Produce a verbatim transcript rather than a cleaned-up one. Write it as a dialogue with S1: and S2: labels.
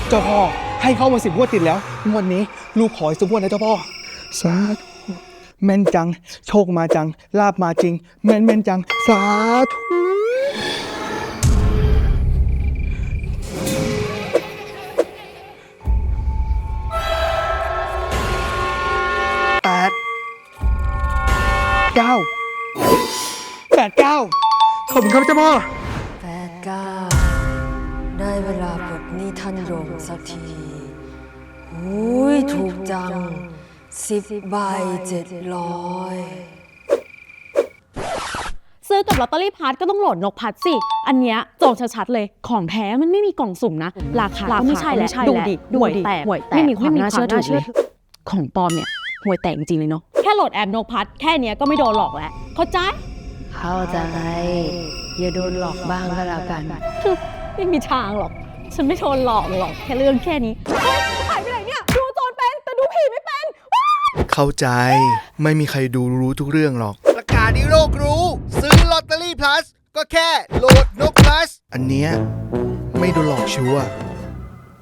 S1: เจ้าพ่อให้เข้ามาสิบงวดติดแล้วงวดนี้ลูกขออีกสักงวดนะเจ้าพ่อสาธุแม่นจังโชคมาจังลาบมาจริงแม่นแม่นจังสาธุแปดเก้าแปดเก้าขอบคุณครับเจ้าพ่อ
S2: แปดเก้าได้เวลาปลดหนี้ท่านโยมสักทีหุยถูกจังสิบใบเจ็ดร้อย
S3: ซื้อกับลอตเตอรี่พัดก็ต้องโหลดนกพัดสิอันเนี้ยจองชัดๆเลยของแท้มันไม่มีกล่องสุ่มนะราคาก็ไม่ใช่แล้วดูดิห่วยแตกไม่มีความน่าเชื่อถือเลยของปลอมเนี่ยห่วยแตกจริงๆเลยเนาะแค่โหลดแอปนกพัดแค่เนี้ยก็ไม่โดนหลอกแล้วเข้าใจ
S2: เข้าใจอย่าโดนหลอกบ้างก็แล้วกัน
S3: ไม่มีทางหรอกฉันไม่โดนหลอกหรอกแค่เรื่องแค่นี้หายไปไหนเนี่ยดูโจรเป็นแต่ดูผีไม่เป็น
S1: เข้าใจไม่มีใครดูรู้ทุกเรื่องหรอก
S4: ประกาศให้โลกรู้ซื้อลอตเตอรี่ plus ก็แค่โหลดนก plus
S1: อันเนี้ยไม่โดนหลอกชัวร์